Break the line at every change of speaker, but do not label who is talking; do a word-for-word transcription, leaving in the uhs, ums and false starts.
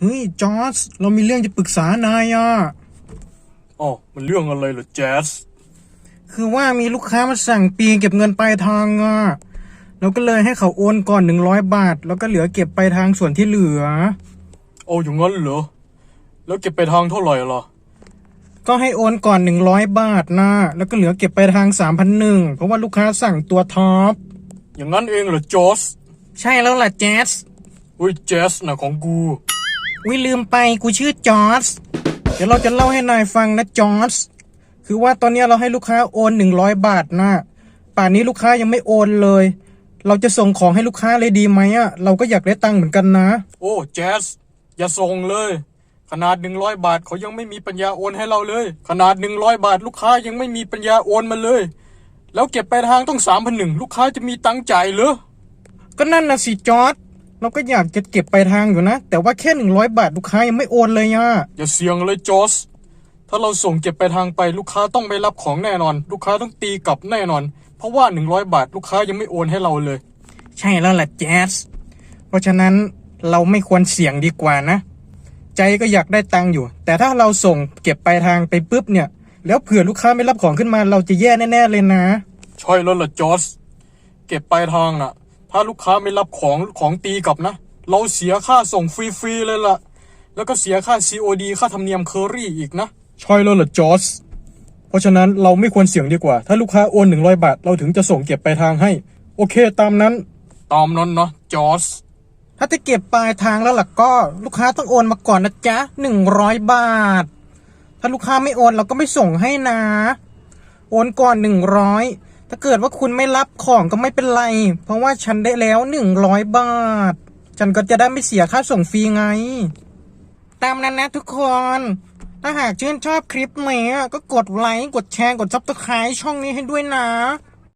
ฮ้ยจอร์จเรามีเรื่องจะปรึกษานายอ่ะ
อ๋อมันเรื่องอะไรเหรอแจ๊ส
คือว่ามีลูกค้ามาสั่งปีเก็บเงินปลายทางอ่ะเราก็เลยให้เขาโอนก่อนหนึ่งร้อยบาทแล้วก็เหลือเก็บปลายทางส่วนที่เหลือ
โอ้อย่างงั้นเหรอแล้วเก็บไปทางเท่าไหร่ล่ะ
ก็ให้โอนก่อนหนึ่งร้อยบาทนะแล้วก็เหลือเก็บปลายทางสามพันหนึ่งเพราะว่าลูกค้าสั่งตัวท็อป
อย่างนั้นเองเหรอจอส
ใช่แล้วล่ะแจ๊ส
อุ้ยแจ๊สนะของกู
วิลืมไปกูชื่อจอร์จเดี๋ยวเราจะเล่าให้นายฟังนะจอร์จคือว่าตอนนี้เราให้ลูกค้าโอนหนึ่งร้อยบาทนะป่านนี้ลูกค้ายังไม่โอนเลยเราจะส่งของให้ลูกค้าเลยดีไหมอ่ะเราก็อยากได้ตังค์เหมือนกันนะ
โอ้แจ๊สอย่าส่งเลยขนาดหนึ่งร้อยบาทเขายังไม่มีปัญญาโอนให้เราเลยขนาดหนึ่งร้อยบาทลูกค้ายังไม่มีปัญญาโอนมาเลยแล้วเก็บไปทางต้องสามพันหนึ่งลูกค้าจะมีตังค์จ่ายเหรอ
ก็นั่นนะสิจอร์จเราก็อยากจะเก็บไปทางอยู่นะแต่ว่าแค่หนึ่งร้อยบาทลูกค้ายังไม่โอนเลยอ่ะ
อย่าเสี่ยงเลยจอสถ้าเราส่งเก็บไปทางไปลูกค้าต้องไม่รับของแน่นอนลูกค้าต้องตีกลับแน่นอนเพราะว่าหนึ่งร้อยบาทลูกค้ายังไม่โอนให้เราเลย
ใช่แล้วแหละแจ๊สเพราะฉะนั้นเราไม่ควรเสี่ยงดีกว่านะใจก็อยากได้ตังค์อยู่แต่ถ้าเราส่งเก็บปลายทางไปปุ๊บเนี่ยแล้วเผื่อลูกค้าไม่รับของขึ้นมาเราจะแย่แน่ๆเลยนะ
ใช่แล้วล่ะจอสเก็บปลายทางน่ะถ้าลูกค้าไม่รับของของตีกลับนะเราเสียค่าส่งฟรีๆเลยล่ะแล้วก็เสียค่า ซี โอ ดี ค่าธรรมเนียมเคอรี่อีกนะ
ใช่แล้วล่ะจอสเพราะฉะนั้นเราไม่ควรเสี่ยงดีกว่าถ้าลูกค้าโอนหนึ่งร้อยบาทเราถึงจะส่งเก็บปลายทางให้โอเคตามนั้น
ตามนั้นนะจอส
ถ้าจะเก็บปลายทางแล้วล่ะก็ลูกค้าต้องโอนมาก่อนนะจ๊ะหนึ่งร้อยบาทถ้าลูกค้าไม่โอนเราก็ไม่ส่งให้นะโอนก่อนหนึ่งร้อยถ้าเกิดว่าคุณไม่รับของก็ไม่เป็นไรเพราะว่าฉันได้แล้วหนึ่งร้อยบาทฉันก็จะได้ไม่เสียค่าส่งฟรีไงตามนั้นนะทุกคนถ้าหากชื่นชอบคลิปนี้ก็กดไลค์กดแชร์กดซับสไครต์ช่องนี้ให้ด้วยนะ